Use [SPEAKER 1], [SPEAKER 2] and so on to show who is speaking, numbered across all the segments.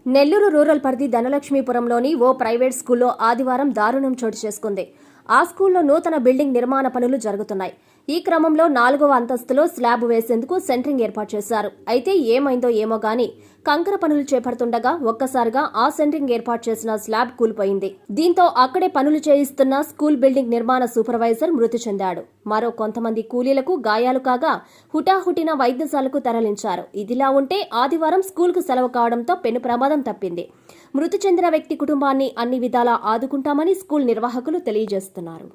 [SPEAKER 1] Nellore rural పరిధి ధనలక్ష్మీపురంలోని ఓ private స్కూల్లో ఆదివారం దారుణం చోటు చేసుకుంది. ఆ స్కూల్లో నూతన బిల్డింగ్ నిర్మాణ పనులు జరుగుతున్నాయి. ఈ క్రమంలో 4వ అంతస్తులో స్లాబ్ వేసేందుకు సెంటరింగ్ ఏర్పాటు చేశారు. అయితే ఏమైందో ఏమో గాని కంకర పనులు చేపడుతుండగా ఒక్కసారిగా ఆ సెంటరింగ్ ఏర్పాటు చేసిన స్లాబ్ కూలిపోయింది. దీంతో అక్కడే పనులు చేయిస్తున్న స్కూల్ బిల్డింగ్ నిర్మాణ సూపర్వైజర్ మృతి చెందాడు. మరో కొంతమంది కూలీలకు గాయాలు కాగా హుటాహుటిన వైద్యశాలకు తరలించారు. ఇదిలా ఉంటే ఆదివారం స్కూల్కు సెలవు కావడంతో పెను ప్రమాదం తప్పింది. మృతి చెందిన వ్యక్తి కుటుంబాన్ని అన్ని విధాలా ఆదుకుంటామని స్కూల్ నిర్వాహకులు తెలియజేస్తున్నారు.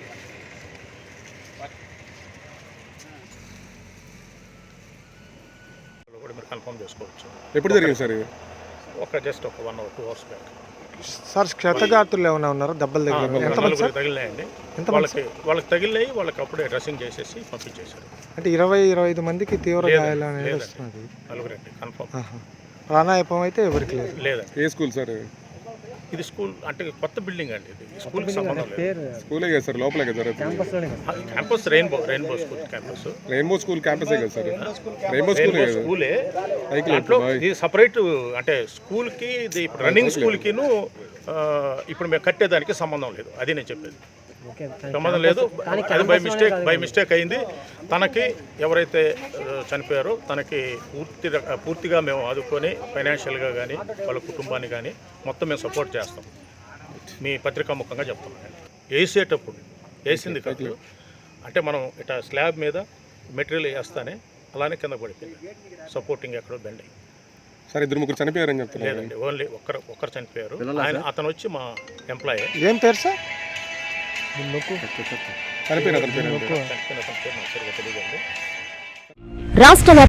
[SPEAKER 2] కన్ఫర్మ్ చేసుకోవచ్చు.
[SPEAKER 3] ఎప్పుడు జరిగింది సార్?
[SPEAKER 2] జస్ట్ ఒక 1 or 2 hours బ్యాక్.
[SPEAKER 4] సార్ క్షతగాత్రులు ఏమైనా ఉన్నారు? దెబ్బలు
[SPEAKER 2] తగిలినాయండి. వాళ్ళకి తగిలినాయి. వాళ్ళకి అప్పుడే డ్రెస్సింగ్ చేసేసి పంపించేశారు.
[SPEAKER 4] అంటే 20-25 మందికి తీవ్ర గాయాలు అనేది వస్తున్నది.
[SPEAKER 2] నలుగురండి కన్ఫర్మ్.
[SPEAKER 4] ప్రాణాయపం అయితే ఎవరికి
[SPEAKER 2] లేదు.
[SPEAKER 3] ఏ స్కూల్ సార్
[SPEAKER 2] ఇది? స్కూల్ అంటే కొత్త బిల్డింగ్ అండి. ఇది స్కూల్కి సంబంధం లేదు.
[SPEAKER 3] స్కూలే కదా సార్? లోపలే కదా
[SPEAKER 2] campus rainbow school campus.
[SPEAKER 3] Rainbow school క్యాంపసే కదా సార్? రెయిన్బో స్కూలే.
[SPEAKER 2] దాంట్లో ఇది సపరేట్. అంటే స్కూల్కి ఇది రన్నింగ్ స్కూల్కిను ఇప్పుడు మేము కట్టేదానికి సంబంధం లేదు. అది నేను చెప్పేది. సంబంధం లేదు. అది బై మిస్టేక్ అయింది. తనకి ఎవరైతే చనిపోయారో తనకి పూర్తిగా మేము ఆదుకొని ఫైనాన్షియల్గా కానీ వాళ్ళ కుటుంబాన్ని కానీ మొత్తం మేము సపోర్ట్ చేస్తాం. మీ పత్రికా ముఖంగా చెప్తాం. వేసింది కాదు. అంటే మనం ఇట్లా స్లాబ్ మీద మెటీరియల్ వేస్తానే అలానే కింద పడిపోయింది. సపోర్టింగ్ ఎక్కడో బెండ్ అయ్యింది.
[SPEAKER 3] సార్ 2-3 చనిపోయారని చెప్తున్నారు.
[SPEAKER 2] లేదండి, ఓన్లీ ఒక్కరు చనిపోయారు. అతను వచ్చి మా ఎంప్లాయీ.
[SPEAKER 4] ఏం పేరు సార్?
[SPEAKER 1] రాష్ట్ర